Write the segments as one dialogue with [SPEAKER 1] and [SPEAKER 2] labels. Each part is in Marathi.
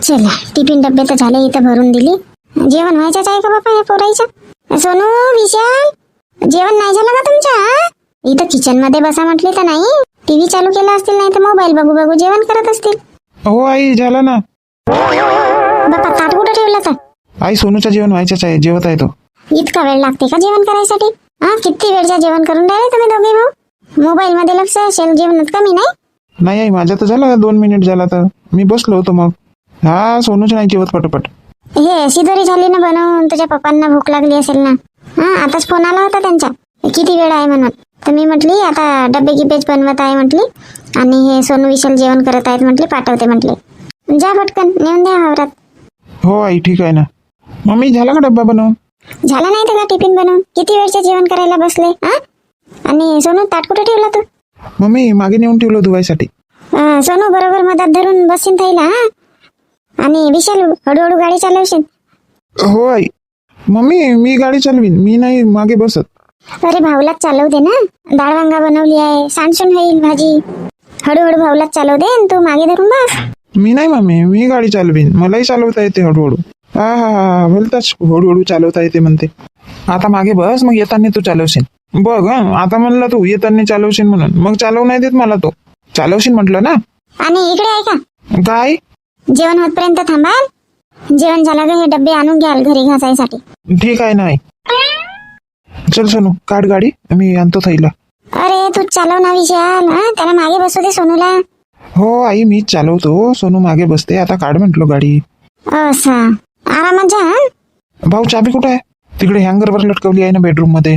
[SPEAKER 1] चला टिफिन डब्बे तर झाले, इथं भरून दिली. जेवण व्हायचंच आहे का बापा या पोरायचं? सोनू, विशाल, जेवण नाही झालं का तुमच्या? इथं किचन मध्ये बसा म्हटली तर नाही, टीव्ही चालू केला असतील, नाही तर मोबाईल बघू बघू जेवण करत असतील.
[SPEAKER 2] हो आई, झालं ना.
[SPEAKER 1] बापा ताट कुठं ठेवला तर?
[SPEAKER 2] आई, सोनूचं जेवण व्हायचंच आहे, जेवत आहे तो.
[SPEAKER 1] इतका वेळ लागते का जेवण करायसाठी? किती वेळच्या जेवण करून राहिले तुम्ही दोघे भाऊ? मोबाईल मध्ये लक्ष असेल, जेवणात कमी नाही?
[SPEAKER 2] नाही आई, माझं तर झालं 2 मिनिट झाला, तर मी बसलो होतो. मग हा सोनूच नाही जेवत पटपट.
[SPEAKER 1] हे शिदोरी झाली ना बनवून, तुझ्या पप्पांना भूक लागली असेल ना. आताच फोन आला होता त्यांचा, किती वेळ आहे म्हणून. तर मी म्हटली आता डब्बे गिब्बेच बनवत आहे म्हटली, आणि हे सोनू विशाल जेवण करत आहेत म्हटली, पाठवते म्हटले. जा पटकन नेऊन द्या वावरात.
[SPEAKER 2] हो आई, ठीक आहे ना. मम्मी, झाला का डब्बा बनवून?
[SPEAKER 1] झाला नाही तर का टिफिन बनवून? किती वेळचे जेवण करायला बसले? आणि सोनू ताट कुठे ठेवला तू?
[SPEAKER 2] मम्मी, मागे नेऊन ठेवलं धुवायसाठी.
[SPEAKER 1] सोनू बरोबर मधात धरून बसीन थैला. आणि विशाल हळूहळू गाडी चालवशील.
[SPEAKER 2] हो आई. मम्मी, मी गाडी चालवीन, मी नाही मागे बसत.
[SPEAKER 1] अरे भाऊलाच चालवू दे ना, डाळ वांगा बनवली आहे, सांडसून होईल भाजी. हळूहळू भाऊलाच चालवू दे, तू मागे धरून बस.
[SPEAKER 2] मी नाही मम्मी, मी गाडी चालवीन, मलाही चालवता येते हळूहळू. हा बोलताच हळूहळू चालवता येते म्हणते. आता मागे बस, मग येताना तू चालवशील. बघ आता म्हणला तू येताना चालवशील म्हणून, मग चालवू नाही देत मला तो. चालवशील म्हटलं ना.
[SPEAKER 1] आणि इकडे आहे का?
[SPEAKER 2] काय?
[SPEAKER 1] जेवण होतपर्यंत थांबाल. जेवण झालं का हे डब्बे आणून घ्याल घरी घासायसाठी.
[SPEAKER 2] ठीक आहे ना आई. चल सोनू, काढ गाडी, मी आणतो थैला.
[SPEAKER 1] अरे तू चालव ना विशाल, त्याला मागे बसू दे सोनूला.
[SPEAKER 2] हो आई, मीच चालवतो, सोनू मागे बसते. आता काढ म्हटलो गाडी.
[SPEAKER 1] असा आरामात जा.
[SPEAKER 2] भाऊ, चाबी कुठे आहे? तिकडे हँगरवर लटकवली आहे ना बेडरूम मध्ये.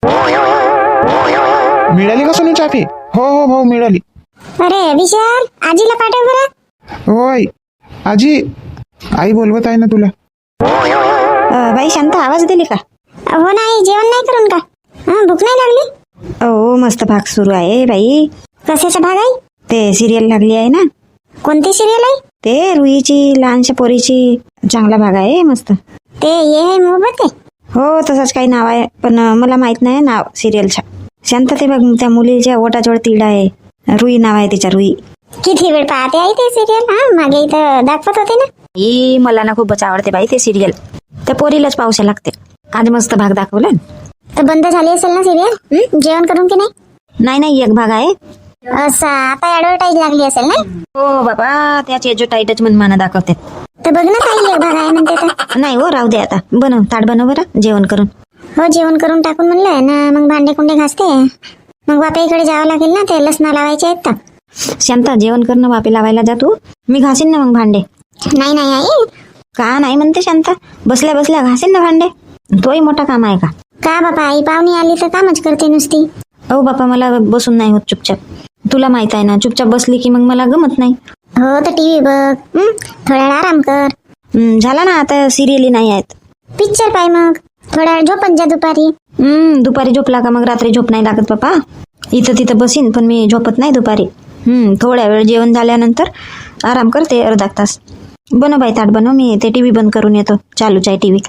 [SPEAKER 2] मिळाली का सोनू चाबी? हो भाऊ, मिळाली.
[SPEAKER 1] अरे विशाल, आजीला पाठव बरं.
[SPEAKER 2] हो आई. आजी, आई बोलवत आहे ना तुला.
[SPEAKER 3] बाई शांत, आवाज दिली का?
[SPEAKER 1] हो नाही, जेवण नाही करून का? भूक नाही लागली?
[SPEAKER 3] हो, मस्त भाग सुरू आहे बाई.
[SPEAKER 1] कशाचा भाग आहे?
[SPEAKER 3] ते सिरियल लागली आहे ना.
[SPEAKER 1] कोणती सिरियल आहे?
[SPEAKER 3] ते रुईची लहानशा पोरीची. चांगला भाग आहे, मस्त.
[SPEAKER 1] ते ये है मोहब्बत आहे?
[SPEAKER 3] हो, तसंच काही नाव आहे, पण मला माहित नाही नाव सिरियलच्या. शांत, ते बघ त्या मुलीच्या ओटाजवळ तिडा आहे, रुई नाव आहे तिच्या, रुई.
[SPEAKER 1] किती वेळ पाहते आहे ते सिरियल? मागे इथं दाखवत होते ना.
[SPEAKER 3] मला ना खूपच आवडते बाई ते सिरियल. त्या पोरीलाच पावसा लागते. आज मस्त भाग दाखवला.
[SPEAKER 1] तर बंद झाली असेल ना सिरियल? जेवण करून की नाही?
[SPEAKER 3] नाही, एक भाग आहे.
[SPEAKER 1] असा आता ऍडव्हर्टाईज लागली असेल ना.
[SPEAKER 3] हो बाबा, त्याचे जो टाईटच मनमाना दाखवते.
[SPEAKER 1] तर बघ ना ताई, एक भाग आहे म्हणते तर.
[SPEAKER 3] नाही हो, राहू दे आता. बनव, ताट बनव बरं, जेवण करून.
[SPEAKER 1] हो, जेवण करून टाकून म्हणलं ना, मग भांडे कुंडे घासते. मग बापाईकडे जावं लागेल ना, ते लसणा लावायचे आहेत तर.
[SPEAKER 3] शांता, जेवण करणं वापी लावायला जा तू, मी घासीन ना मग भांडे.
[SPEAKER 1] नाही नाही आई.
[SPEAKER 3] का नाही म्हणते शांता? बसल्या बसल्या घासीन ना भांडे, तोही मोठा काम आहे का?
[SPEAKER 1] का बापा, आई पाहुणी आली तर कामच करते नुसती.
[SPEAKER 3] हो बापा, मला बसून नाही होत चुपचाप. तुला माहित आहे ना, चुपचाप बसली की मग मला गमत नाही.
[SPEAKER 1] हो, तर टीव्ही बघ, थोडा वेळ आराम कर.
[SPEAKER 3] झाला ना, आता सिरियली नाही आहेत.
[SPEAKER 1] पिक्चर पाय, मग थोडा वेळ झोपन जा दुपारी.
[SPEAKER 3] दुपारी झोपला का मग रात्री झोप नाही लागत बापा. इथं तिथं बसीन, पण मी झोपत नाही दुपारी. थोड्या वेळ जेवण झाल्यानंतर आराम करते, अर्धा तास. बनव बाई ताट बनव, मी ते टीव्ही बंद करून येतो, चालूच आहे टीव्ही.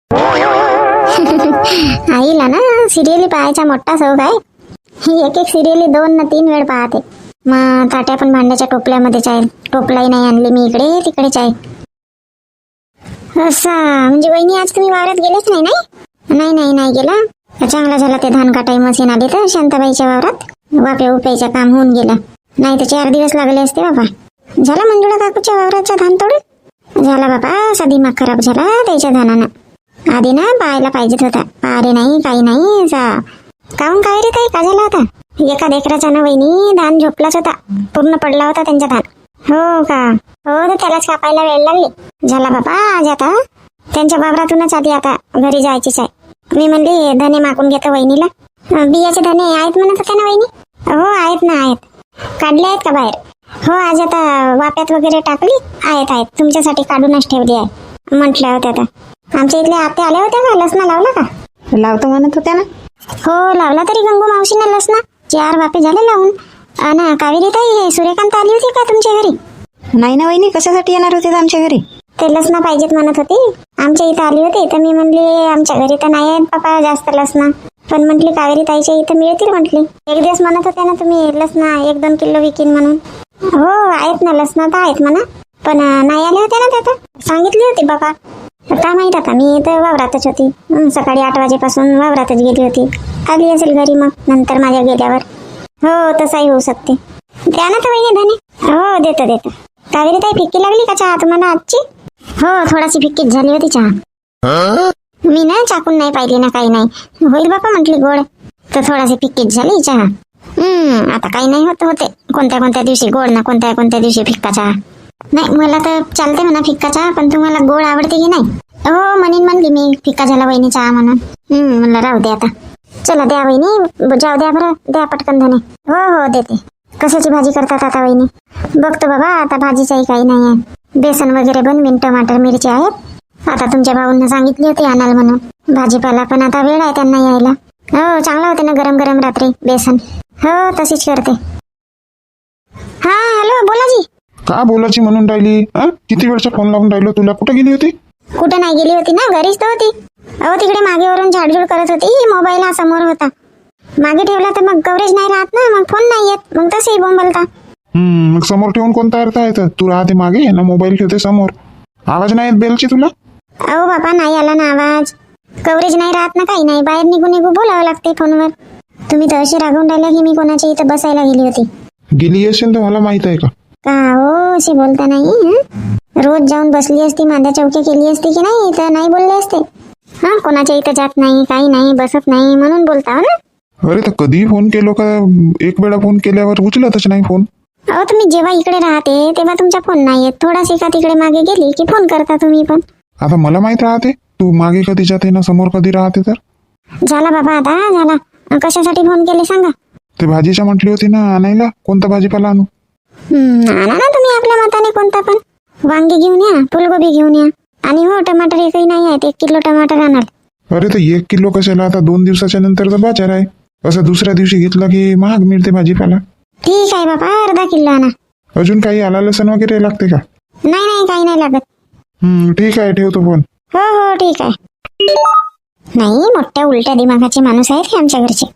[SPEAKER 1] आईला ना सिरियली पाहायचा मोठा शौक आहे. ही एक सिरियली 2 ना 3 वेळ पाहते. मग ताट्या पण भांड्याच्या टोपल्यामध्येच आहे, टोपलाही नाही आणली मी, इकडे तिकडेच आहे. असा म्हणजे वहिनी, आज तुम्ही वावरात गेलेच नाही? नाही गेला. चांगला झाला ते धान काटाई मशीन आली तर शांताबाईच्या वावरात. वापे उपायचं काम होऊन गेलं, नाही तर 4 दिवस लागले असते बाबा. झाला मंजुळा काकूच्या वावराचा धान तोडून? झाला बाबा, असा दिमाग खराब झाला त्याच्या धानानं. आधी ना पाहायला पाहिजेत होता, पारे नाही, काही नाही. काहून काय रे ताई, का झाला होता? एका लेकराचा ना वहिनी, धान झोपलाच होता, पूर्ण पडला होता त्यांचा धान. हो का? हो, तर त्यालाच कापायला वेळ लागली. झाला बाबा, आज आता त्यांच्या वावरातूनच आधी आता घरी जायचीच आहे. मी म्हणली धने मागून घेतो वहिनीला. बियाचे धने आहेत म्हणत होत्या ना वहिनी? हो आहेत ना, आहेत. काढले आहेत का बाहेर? हो, आज आता वाप्यात वगैरे टाकली, आहेत. तुमच्यासाठी काढूनच ठेवली आहे म्हटल्या होत्या. आता आमच्या इथल्या आत्या आल्या होत्या का? लसणा लावला का?
[SPEAKER 3] लावतो म्हणत होत्या ना.
[SPEAKER 1] हो, लावला तरी गंगू मावशीने लसणा. 4 वापे झाले लावून. ना कावेरी ताई, सूर्यकांत आली होती का तुमच्या घरी?
[SPEAKER 3] नाही ना वहिनी, कशासाठी येणार होते आमच्या घरी?
[SPEAKER 1] ते लसणा पाहिजेत म्हणत होती, आमच्या इथं आली होती. तर मी म्हणली आमच्या घरी तर नाही आहेत बाबा जास्त लसणा, पण म्हटली कावेरी ताईच्या इथं मिळतील म्हटली. एक दिवस म्हणत होत्या ना तुम्ही लसणा 1-2 किलो विकीन म्हणून. हो आहेत ना, लसणा तर आहेत म्हणा, पण नाही आल्या होत्या ना त्या. होती बाबा. काय माहित आता, मी तर वावरातच होती. सकाळी 8 वाजेपासून वावरातच गेली होती. आली असेल घरी मग नंतर माझ्या गेल्यावर. हो तसाही होऊ शकते. द्या ना तर वहिनी धने. हो देतो. कावेरी ताई फिक्की लागली का चहा तुम्हाला आजची? हो थोडाशी फिक्कीच झाली होती चहा. मी ना चाकून नाही पाहिली ना, काही नाही. होईल बापा म्हटली गोड, तर थोडाशी फिक्कीच झाली चहा. आता काही नाही होते. कोणत्या दिवशी गोड ना कोणत्या दिवशी फिक्का चहा. नाही मला तर चालते म्हणा फिक्का चहा, पण तुम्हाला गोड आवडते की नाही? हो म्हणली मी फिक्का झाला वहिनी चहा म्हणून. म्हणलं राहू दे आता. चला द्या वहिनी, जाऊ द्या बरं, द्या पटकन धने. हो देते. कशाची भाजी करतात आता वहिनी? बघतो बाबा, आता भाजीचाही काही नाही आहे. बेसन वगैरे बनवीन, टमाटर मिरची आहेत. आता तुमच्या भाऊंना सांगितली होती आणाल म्हणून भाजीपाला, पण आता वेळ आहे त्यांना यायला. हो चांगलं होते ना गरम गरम रात्री बेसन. हो तशीच करते. हा हॅलो बोला जी.
[SPEAKER 2] का बोलायची म्हणून राहिली? किती वेळचा फोन लावून राहिलो तुला. कुठे गेली होती?
[SPEAKER 1] कुठं नाही गेली होती ना, घरीच तर होती. अहो तिकडे मागेवरून झाडझूड करत होती. मोबाईल हा समोर होता. मागे ठेवला तर मग कव्हरेज नाही राहत ना, मग फोन नाही येत, मग तसंही बोंबलता.
[SPEAKER 2] मग समोर ठेवून कोणता अर्थ आहे? तू राहते मागे ना, मोबाईल ठेवते समोर. आवाज नाही येत बेलची तुला?
[SPEAKER 1] अहो बाबा नाही आला ना आवाज. कव्हरेज नाही राहत ना, काही नाही. बाहेर निघून बोलावं लागते फोनवर. तुम्ही तर अशी रागवून राहिल्या की मी कोणाच्या इथं बसायला गेली होती.
[SPEAKER 2] गेली असेल तर मला माहित आहे का?
[SPEAKER 1] का हो अशी बोलता नाही. रोज जाऊन बसली असती, मांद्या चौकी केली असती की नाही, तर नाही बोलले असते. कोणाच्या इथं जात नाही, काही नाही, बसत नाही म्हणून बोलता हो ना.
[SPEAKER 2] अरे तर कधी फोन केलो का? एक वेळा फोन केल्यावर उचलतच नाही फोन.
[SPEAKER 1] अहो तुम्ही जेव्हा इकडे राहते तेव्हा तुमचा फोन नाही येत. थोडाशी का तिकडे मागे गेली की फोन करता तुम्ही पण.
[SPEAKER 2] आता मला माहित राहते तू मागे कधी जाते ना समोर कधी राहते. तर
[SPEAKER 1] झाला बाबा आता झाला. कशासाठी फोन केले सांगा?
[SPEAKER 2] ते भाजीच्या म्हटली होती ना आणायला. कोणता भाजीपाला आणू?
[SPEAKER 1] आणा ना तुम्ही आपल्या मताने कोणता पण. वांगी घेऊन या, फुलगोबी घेऊन या, आणि हो टमाटर एकही नाही आहेत. 1 किलो टमाटर आणाल.
[SPEAKER 2] अरे तर 1 किलो कशाला? आता 2 दिवसाच्या नंतरचा बाजार आहे. असं दुसऱ्या दिवशी घेतला की महाग मिळते भाजीपाला.
[SPEAKER 1] ठीक आहे बाबा, अर्धा किलो आणा.
[SPEAKER 2] अजून काही आला लसण वगैरे लागते का?
[SPEAKER 1] नाही काही नाही लागत.
[SPEAKER 2] ठीक आहे ठेवतो फोन.
[SPEAKER 1] हो ठीक आहे. नाही मोठ्या उलट्या दिमागाचे माणूस आहेत हे आमच्या घरचे.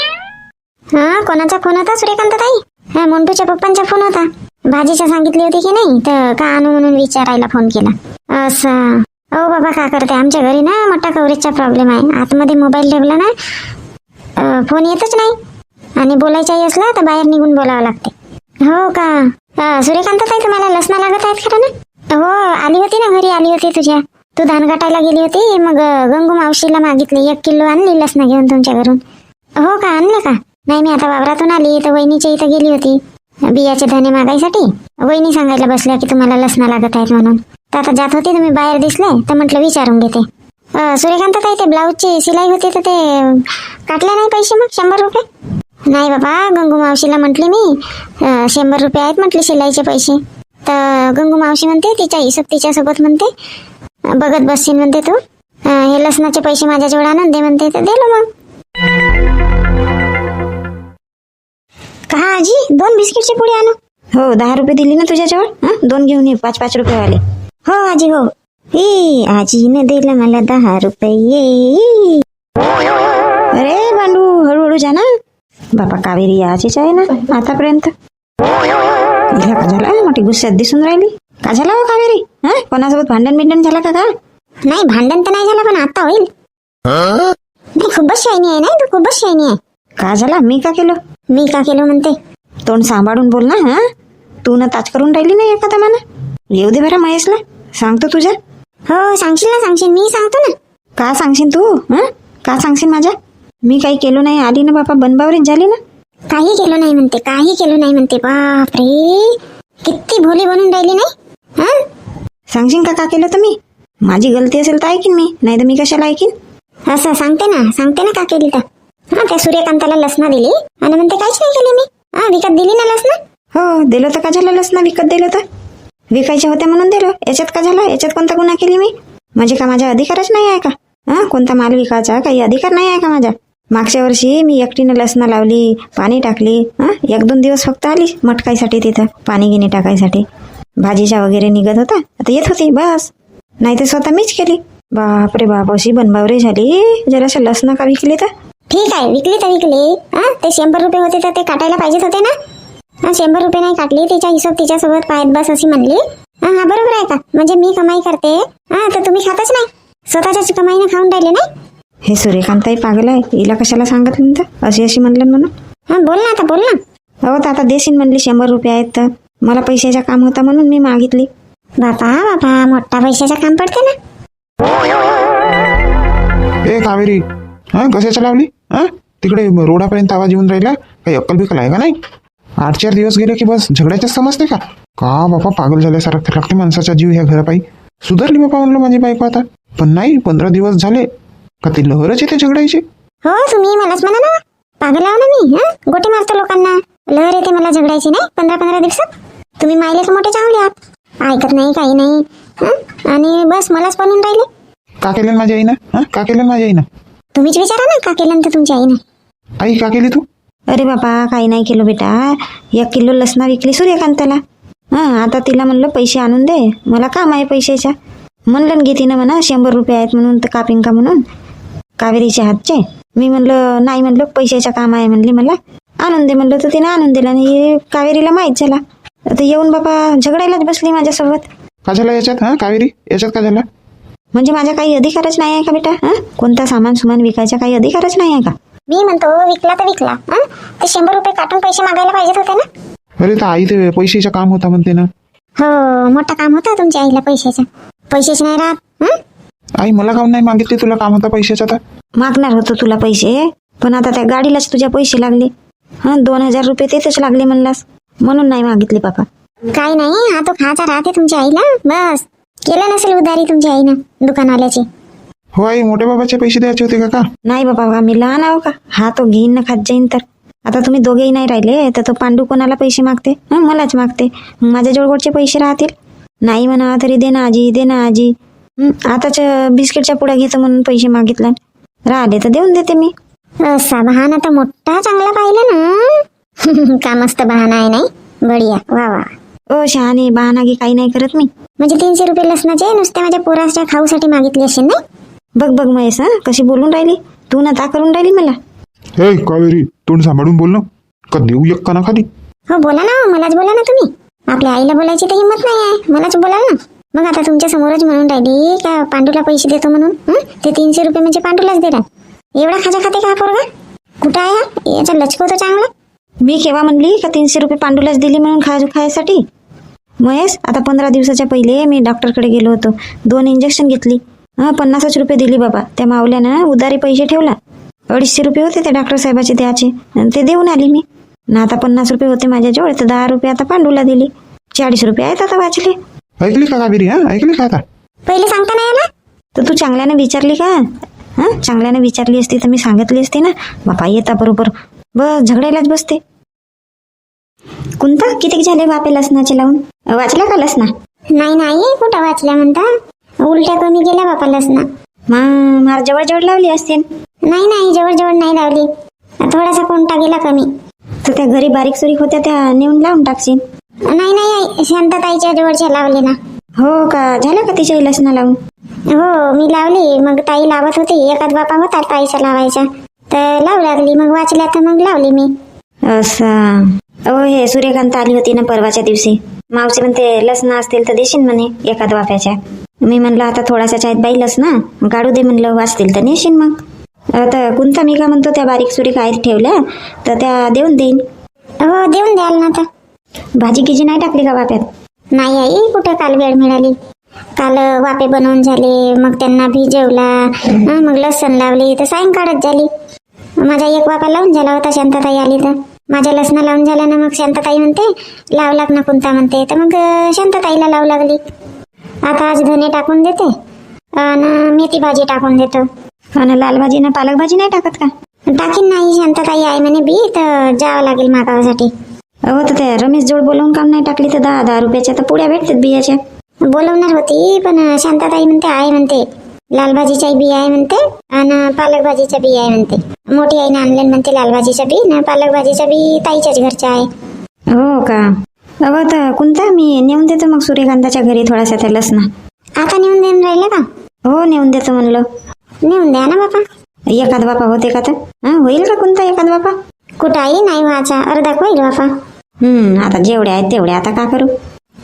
[SPEAKER 1] कोणाचा फोन होता सूर्यकांत ताई? मोंटूच्या पप्पांचा फोन होता. भाजीच्या सांगितली होती की नाही, तर का आणू म्हणून विचारायला फोन केला. असं अहो बाबा का करते, आमच्या घरी ना मोठा कव्हरेजचा प्रॉब्लेम आहे. आतमध्ये मोबाईल ठेवला ना फोन येतच नाही, आणि बोलायचाही असला तर बाहेर निघून बोलावं लागते. हो का सूर्यकांत ताई, तुम्हाला लसणा लागत आहेत खरं ना? हो आली होती ना, घरी आली होती तुझ्या. तू धान काटायला गेली होती, मग गंगू मावशीला मागितली 1 किलो आणली लसणा घेऊन तुमच्या घरून. हो का आणलं का? नाही मी आता वावरातून आली तर वहिनीच्या इथं गेली होती बियाचे धने मागायसाठी. वहिनी सांगायला बसल्या की तुम्हाला लसणा लागत आहेत म्हणून. तर आता जात होती तुम्ही बाहेर दिसले तर म्हटलं विचारून घेते. सूर्यकांत ताई ते ब्लाऊजची सिलाई होती तर ते काटले नाही पैसे मग 100 रुपये? नाही बाबा, गंगू मावशीला म्हटली मी 100 रुपये आहेत म्हटले शिलाईचे पैसे. तर गंगू मावशी म्हणते तिच्या हिशोब तिच्यासोबत म्हणते बघत बसशील म्हणते तू. हे लसणाचे पैसे माझ्याजवळ आणून दे म्हणते, तर दिलो मग. का आजी 2 बिस्किटची पुडी आणू?
[SPEAKER 3] हो 10 रुपये दिली ना तुझ्याजवळ. 2 घेऊन ये 5-5 रुपये वाले.
[SPEAKER 1] हो आजी हो. आजीने दिलं मला 10 रुपये.
[SPEAKER 3] अरे बांडू हळूहळू जा ना. बाबा कावेरी याचीच आहे ना आतापर्यंत. हिला का झाला? मोठी गुस्स्यात दिसून राहिली. का झाला हो कावेरी? कोणासोबत भांडण झाला का?
[SPEAKER 1] नाही भांडण तर नाही झालं, पण आता होईल. नाही खूपच शायनी आहे ना तू, खूपच शायनी आहे.
[SPEAKER 3] का झाला? मी का केलं?
[SPEAKER 1] मी का केलं म्हणते?
[SPEAKER 3] तोंड सांभाळून बोल ना. तू ना ताच करून राहिली ना एखादा मना. येऊ दे बरं महेशला, सांगतो तुझ्या.
[SPEAKER 1] हो सांगशील, मी सांगतो ना.
[SPEAKER 3] का सांगशील तू? का सांगशील माझ्या? मी काही केलं नाही. आली ना बापा बनबावरीच झाली ना.
[SPEAKER 1] काही केलं नाही म्हणते. बापरे किती भोली बनून राहिली नाही.
[SPEAKER 3] सांगशील का केलं तर मी? माझी गलती असेल तर ऐकीन मी, नाही तर मी कशाला ऐकीन?
[SPEAKER 1] असं सांगते ना का केली तर. त्या सूर्यकांताला लसणा दिली आणि म्हणते काहीच नाही केली मी. विकत दिली ना लसणा.
[SPEAKER 3] हो दिलं तर का झालं लसणा विकत दिलं तर? विकायच्या होत्या म्हणून दिलं. याच्यात का झालं? याच्यात कोणता गुन्हा केली मी? म्हणजे का माझा अधिकारच नाही आहे का? कोणता माल विकायचा काही अधिकार नाही आहे का माझा? मागच्या वर्षी मी एकटीनं लसणा लावली, पाणी टाकली. 1-2 दिवस फक्त आली मटकाईसाठी तिथं पाणी गिनी टाकायसाठी. भाजीच्या वगैरे निघत होता आता येत होती बस. नाही तर स्वतः मीच केली. बापरे बाप अशी बनबावरी झाली. जराशा लसणा का विकली तर?
[SPEAKER 1] ठीक आहे विकली तर विकली. ते 100 रुपये होते तर ते काटायला पाहिजेच होते ना. 100 रुपये नाही काटली. तिच्या हिशोब तिच्यासोबत पायत बस अशी म्हणली. हा हा बरोबर आहे का? म्हणजे मी कमाई करते हा तर तुम्ही खातच नाही, स्वतःच्याच कमाईने खाऊन राहिले नाही.
[SPEAKER 3] हे सूर्यकांताई पागल आहे, हिला कशाला सांगितलं तर अशी अशी म्हणलं म्हणून.
[SPEAKER 1] हा बोल ना आता, बोल ना.
[SPEAKER 3] हो तर आता देशील म्हणली 100 रुपये आहेत तर मला पैशाचा काम होता म्हणून मी मागितली.
[SPEAKER 1] बापा बापा, मोठा पैशाचं काम पडते ना.
[SPEAKER 2] ए कावेरी, हा कशाच्या लावली? हा तिकडे रोडापर्यंत आवाज येऊन राहिला. काही अक्कल बिकल आहे का नाही? 8-4 दिवस गेले की बस झगड्याच्याच समजते का? का बापा पागल झाल्यासारखं लागते माणसाचा जीव ह्या घरापायी. सुधारली बापा म्हणलं माझी बायको आता, पण नाही 15 दिवस झाले का ती लहरच येते झगडायची.
[SPEAKER 1] हो तुम्ही मलाच म्हणा ना, पागल आहो ना मी. हा गोटे मारतो लोकांना, लहर येते मला झगडायची नाही 15-15 दिवसात. तुम्ही मायले तर मोठे चांगले आहात, ऐकत नाही काही नाही. हा आणि बस मलाच बनून राहिले.
[SPEAKER 2] का केलं माझ्या आईनं? हा का केलं माझ्या आईनं?
[SPEAKER 1] तुम्हीच विचारा ना का केलं तर तुमच्या आईने.
[SPEAKER 2] आई का केली तू?
[SPEAKER 3] अरे बाबा काही नाही केलं बेटा, 1 किलो लसणा विकली सूर्यकांताला. आता तिला म्हणलं पैसे आणून दे, मला काम आहे पैशाच्या. म्हणलं घे तिनं म्हणा 100 रुपये आहेत म्हणून तर कापिंग का म्हणून कावेरीच्या हातचे. मी म्हणलं नाही, म्हणलं पैशाचं काम आहे म्हणली, मला आणून दे म्हणलं तर तिने आणून दिला. आणि कावेरीला माहीत झाला तर येऊन बाबा झगडायलाच बसली माझ्यासोबत.
[SPEAKER 2] का झाला याच्यात? हा कावेरी याच्यात का झाला?
[SPEAKER 3] म्हणजे माझा काही अधिकारच नाही आहे का बेटा? कोणता सामान सुमान विकायचा काही अधिकारच नाही आहे का?
[SPEAKER 1] मी म्हणतो विकला तर विकला, ते 100 रुपये काटून पैसे मागायला पाहिजेत होते ना.
[SPEAKER 2] अरे तर आई ते पैशाचं काम होता म्हणते ना.
[SPEAKER 1] हो मोठा काम होता तुमच्या आईला पैशाचं. पैसेच नाही राहत.
[SPEAKER 2] आई मला काऊन नाही मागितले? तुला काम होता पैशाचा तर.
[SPEAKER 3] मागणार होतो तुला पैसे, पण आता त्या गाडीलाच तुझ्या पैसे लागले. 2000 रुपये तेच लागले म्हणलास म्हणून नाही मागितले बाबा.
[SPEAKER 1] काही नाही, हा तो खायचा राहते तुमच्या आईला. बस केलं नसेल उधारी तुमच्या आईनं दुकानवाल्याची.
[SPEAKER 2] हो आई, मोठ्या बाबाचे पैसे द्यायचे होते का?
[SPEAKER 3] नाही बाबा, आम्ही लहान आहो का? हा तो घेईन ना खात जाईन तर. आता तुम्ही दोघेही नाही राहिले तर तो पांडू कोणाला पैसे मागते? मलाच मागते. माझ्या जोडगोडचे पैसे राहतील. नाही म्हणा तरी दे ना आजी, दे ना आजी. आताच बिस्किटच्या पुड्या घेतो म्हणून पैसे मागितले, राहिले तर देऊन देते मी.
[SPEAKER 1] असा बहाना तर मोठा चांगला पाहिलं ना. का मस्त बहाना आहे नाही? बढिया, वा वा.
[SPEAKER 3] ओ शहाणे, बहाना की काही नाही करत मी.
[SPEAKER 1] म्हणजे 300 रुपये लसणाचे नुसते माझ्या पोराच्या खाऊसाठी मागितले असेल नाही?
[SPEAKER 3] बघ बघ महेश, कशी बोलून राहिली तू ना, ता करून राहिली मला.
[SPEAKER 2] हे कावेरी, तोंड सांभाळून बोल ना, का देऊ एक काना खाली.
[SPEAKER 1] हो बोला ना, मलाच बोला ना तुम्ही. आपल्या आईला बोलायची तर हिंमत नाही आहे, मलाच बोला ना. मग आता तुमच्या समोरच म्हणून राहिली का पांडूला पैसे देतो म्हणून. ते 300 रुपये म्हणजे पांडूलाच देणार. एवढा खाजा खाते का पोरगा? कुठं आहे हा? याचा लचकवतो चांगला.
[SPEAKER 3] मी केव्हा म्हणली का 300 रुपये पांडूलाच दिली म्हणून खायसाठी? महेश, आता 15 दिवसाच्या पहिले मी डॉक्टरकडे गेलो होतो, 2 इंजेक्शन घेतली. 50 रुपये दिली बाबा. त्या मावल्यानं उधारी पैसे ठेवला. 250 रुपये होते त्या डॉक्टर साहेबाचे द्यायचे, ते देऊन आली मी ना. आता 50 रुपये होते माझ्याजवळ, तर 10 रुपये आता पांडूला दिली. 40 रुपये आहेत आता वाचले.
[SPEAKER 2] ऐकली का कावेरी? हा ऐकली का? आता
[SPEAKER 1] पहिले सांगता नाही आला
[SPEAKER 3] तर तू चांगल्याने विचारली का? चांगल्याने विचारली असती तर मी सांगितली असती ना. बापा येता बरोबर बस झगडायलाच बसते. कोणता किती झाले बापे लसणाचे लावून? वाचला का लसणा?
[SPEAKER 1] नाही नाही, कुठं वाचल्या म्हणता? उलट्या कमी गेल्या बापा लसणा.
[SPEAKER 3] मार जवळ जवळ लावली असतील.
[SPEAKER 1] नाही नाही, जवळ जवळ नाही लावली, थोडासा कोणता गेला कमी.
[SPEAKER 3] तर त्या घरी बारीक सुरीक होत्या त्या नेऊन लावून टाकशील.
[SPEAKER 1] नाही नाही, शांतताईच्या जवळच्या लावले ना.
[SPEAKER 3] हो का? झालं का तिच्या लसणा लावून?
[SPEAKER 1] हो मी लावली, मग ताई लावत होती. एखाद बापा होता ताईचा लावायचा तर लावू लागली, मग वाचल्या तर मग लावली मी.
[SPEAKER 3] असं. हे सूर्यकांत आली होती ना परवाच्या दिवशी. मावशी म्हणते लसणा असतील तर देशील म्हणे एखाद वाफ्याच्या. मी म्हणलं आता थोडासा आहेत बाई लसणा, काढू दे म्हणलं, वाचतील तर नेशील मग. आता कोणता मी का म्हणतो त्या बारीक सुरीक आहेत ठेवल्या तर त्या देऊन देईन.
[SPEAKER 1] हो देऊन द्याल ना. आता
[SPEAKER 3] भाजी गिजी नाही टाकली का वाफ्यात?
[SPEAKER 1] नाही आई, कुठं काल वेळ मिळाली. काल वाफे बनवून झाले, मग त्यांना भिजवला, मग लसण लावली तर सायंकाळच झाली. माझा एक वाफा लावून झाला होता, शांतताई आली तर. माझ्या लसणा लावून झाल्यानं मग शांतताई म्हणते लाव लाग ना कोणता म्हणते, तर मग शांतताईला लावू लागली. आता आज धने टाकून देते आणि मेथी भाजी टाकून देतो.
[SPEAKER 3] आणि लाल भाजी ना पालक भाजी नाही टाकत का?
[SPEAKER 1] टाकीन नाही, शांतताई आहे म्हणे बी, तर जावं लागेल मागावासाठी.
[SPEAKER 3] हो तर त्या रमेश जोड बोलवून काम नाही टाकली तर 10-10 रुपयाच्या तर पुड्या भेटतात बियाच्या.
[SPEAKER 1] बोलवणार होती पण शांतताई म्हणते आहे म्हणते, लाल भाजीच्या बी आहे म्हणते आणि पालक भाजीच्या बी आहे म्हणते. मोठी आईने आणले म्हणते लाल भाजीच्या बी ना पालक भाजीच्या बी ताईच्याच घरच्या आहे.
[SPEAKER 3] हो का? अहो तर कोणता मी नेऊन देतो मग सूर्यकांताच्या घरी थोडासा त्या लसणा.
[SPEAKER 1] आता नेऊन देऊन राहिलं का?
[SPEAKER 3] हो नेऊन देतो म्हणलं.
[SPEAKER 1] नेऊन द्या ना बापा.
[SPEAKER 3] एखाद बापा होते का तर? होईल का कोणता एखाद बापा?
[SPEAKER 1] कुठं आई नाही व्हायचा, अर्धा होईल बापा.
[SPEAKER 3] आता जेवढे आहेत तेवढे आता का करू?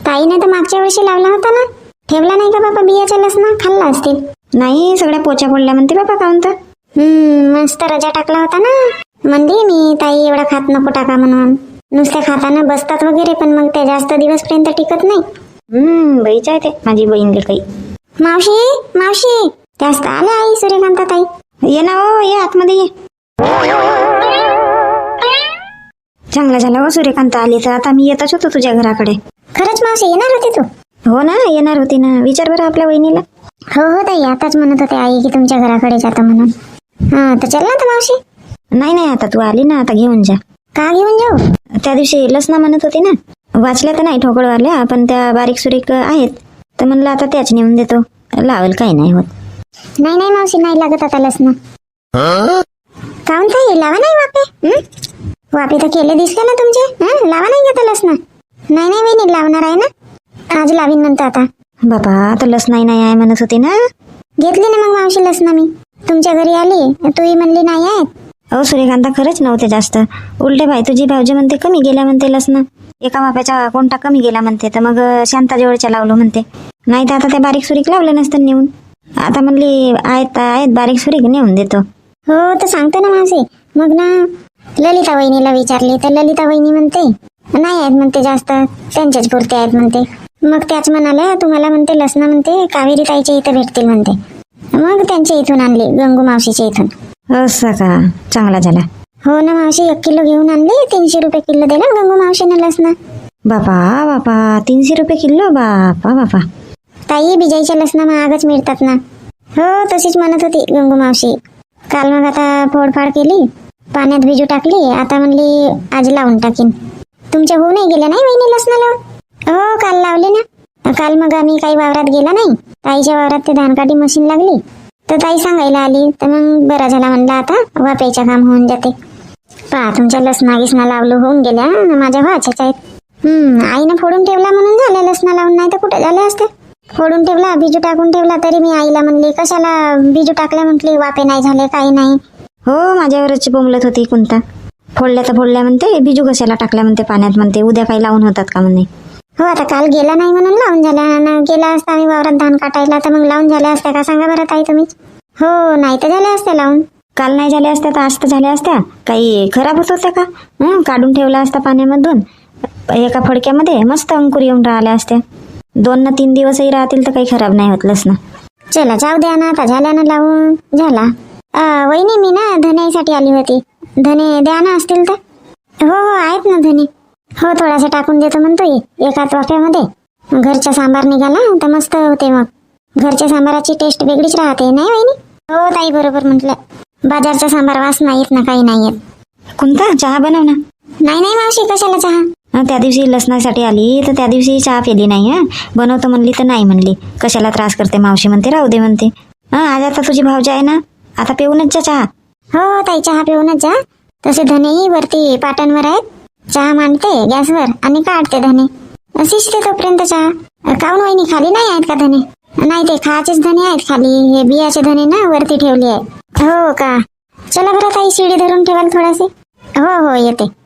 [SPEAKER 1] ताईने तर मागच्या वर्षी लावला होता ना, ठेवला नाही का बाबा बियाच्या लसणा, खाल्ला असतील.
[SPEAKER 3] नाही सगळ्या पोच्या पडल्या म्हणते बाबा काहून तर.
[SPEAKER 1] मस्त रजा टाकला होता ना. म्हणली मी ताई एवढा खात नको टाका म्हणून. नुसत्या खाताना बसतात वगैरे, पण मग ते जास्त दिवसपर्यंत टिकत नाही.
[SPEAKER 3] बाईच आहे ते माझी बहीण काही.
[SPEAKER 1] मावशी मावशी, जास्त आल्या आई सूर्यकांता ताई.
[SPEAKER 3] ये ना हो, ये आतमध्ये ये. चांगला झाला हो सूर्यकांत आली तर. आता मी येतच होतो तुझ्या घराकडे.
[SPEAKER 1] खरंच मावशी येणार होती तू?
[SPEAKER 3] हो ना, येणार होती ना. विचार बरं आपल्या वहिनीला.
[SPEAKER 1] हो हो ताई, आताच म्हणत होते आई की तुमच्या घराकडे जातो म्हणून. हा तर चल ना तर मावशी.
[SPEAKER 3] नाही नाही, आता तू आली ना, आता घेऊन जा.
[SPEAKER 1] का घेऊन जाऊ?
[SPEAKER 3] त्या दिवशी लसणा म्हणत होती ना, वाचल्या तर नाही ठोकळवारल्या, पण त्या बारीक सुरीक आहेत, तर म्हणलं आता त्याच नेऊन देतो, लावेल काही नाही होत.
[SPEAKER 1] नाही नाही मावशी, नाही लागत आता लसणं. काहून ताई लावा नाही वापे? वापे तर केले दिसले ना तुमचे. लावा नाही घेता लसणं. नाही नाही वहिनी, लावणार आहे ना, आज लावीन नंतर. आता
[SPEAKER 3] बाबा आता लसणाही नाही आहे म्हणत होती ना.
[SPEAKER 1] घेतली ना मग मावशी लसणं मी. तुमच्या घरी आली, तूही म्हणली नाही आहेत.
[SPEAKER 3] अहो सूर्यकांता खरंच नव्हते जास्त. उलटे बाई तुझी भाऊजी म्हणते कमी गेल्या म्हणते लसणं. एका वाप्याचा कोणता कमी गेला म्हणते, तर मग शांताजवळच्या लावलो म्हणते. नाही तर आता त्या बारीक सुरीक लावलं नसतं नेऊन. आता म्हणली आहेत बारीक सुरीक नेऊन देतो.
[SPEAKER 1] हो तर सांगतो ना मावशी. मग ना ललिता वहिनीला विचारली तर ललिता वहिनी म्हणते नाही आहेत म्हणते जास्त, त्यांच्याच पुरते आहेत म्हणते. मग त्याच म्हणाल्या तुम्हाला म्हणते लसणं म्हणते कावेरी ताईच्या इथं भेटतील म्हणते. मग त्यांच्या इथून आणली, गंगू मावशीच्या इथून.
[SPEAKER 3] असं का, चांगला झाला.
[SPEAKER 1] हो ना मावशी, 1 किलो घेऊन आणले. 300 रुपये किलो दिला गंगू मावशीनं लसणं.
[SPEAKER 3] बापा बापा, 300 रुपये किलो. बापा बापा.
[SPEAKER 1] ताई बिजाईच्या लसणं महागच मिळतात ना. हो तशीच म्हणत होती गंगू मावशी. काल मग आता फोडफाड केली, पाण्यात भिजू टाकली. आता म्हणली आज लावून टाकीन. तुमच्या होऊ नाही गेल्या नाही वहिनी लसणं लावून? हो काल लावले ना. काल मग आम्ही काही वावरात गेला नाही, ताईच्या वावरात ते धानकाठी मशीन लागली, तर ताई सांगायला आली. तर मग बरा झाला म्हणलं आता वाप्याच्या काम होऊन जाते. पहा तुमच्या लसणा गिसणा लावलं होऊन गेल्या, माझ्या व्हाच्याच आहेत. आईनं फोडून ठेवला म्हणून झाल्या लसणा लावून, नाही तर कुठे झाले असते. फोडून ठेवला, बिजू टाकून ठेवला, तरी मी आईला म्हणली कशाला बिजू टाकल्या म्हटली, वापे नाही झाले काही नाही.
[SPEAKER 3] हो माझ्यावरच बोंबलत होती कोणता. फोडल्या तर फोडल्या म्हणते, बिजू कशाला टाकल्या म्हणते पाण्यात म्हणते, उद्या काही लावून होतात का म्हणे.
[SPEAKER 1] हो आता काल गेला नाही म्हणून लावून झाल्या ना. गेला असता आम्ही वावरात धान काटायला तर मग लावून झाल्या असत्या का सांगा बरं ताई तुम्हीच. हो नाही तर झाल्या असत्या लावून.
[SPEAKER 3] काल नाही झाल्या असत्या तर आज तर झाल्या असत्या. काही खराब होत होत्या का? काढून ठेवला असता पाण्यामधून, एका फडक्यामध्ये मस्त अंकुर येऊन राहिल्या असत्या. 2 ना 3 दिवसही राहतील तर काही खराब नाही होत लसणं.
[SPEAKER 1] चला जाऊ द्या ना, आता झाल्या ना लावून झाला. वहिनी मी ना धन्यासाठी आली होती. धने द्या ना असतील तर. हो हो आहेत ना धने. हो थोडासा टाकून देतो म्हणतोय एकाच वाफ्यामध्ये. घरचा सांबार निघाला तर मस्त होते. मग घरच्या सांबाराची टेस्ट वेगळीच राहते नाही वहिनी? हो ताई बरोबर म्हटलं. बाजारचा सांबार वास नाही येत ना, काही नाही येत.
[SPEAKER 3] कोणता चहा बनव ना.
[SPEAKER 1] नाही नाही मावशी, कशाला चहा?
[SPEAKER 3] त्या दिवशी लसणासाठी आली तर त्या दिवशी चहा पिली नाही. बनवतो म्हणली तर नाही म्हणली. कशाला त्रास करते मावशी म्हणते, राहू दे म्हणते. आज आता तुझी भावजी आहे ना, आता पिऊनच जा चहा.
[SPEAKER 1] हो ताई चहा पिऊनच जा. तसे धनेही वरती पाटांवर आहेत. चहा मांडते गॅसवर आणि काढते धने. शिजते तोपर्यंत चहा. काऊन वहिनी खाली नाही आहेत का धने? नाही ते खायचेच धने आहेत खाली, हे बियाचे धने ना वरती ठेवले आहे. हो का? चला बरं ताई, शिडी धरून ठेवाल थोडासे. हो हो येते.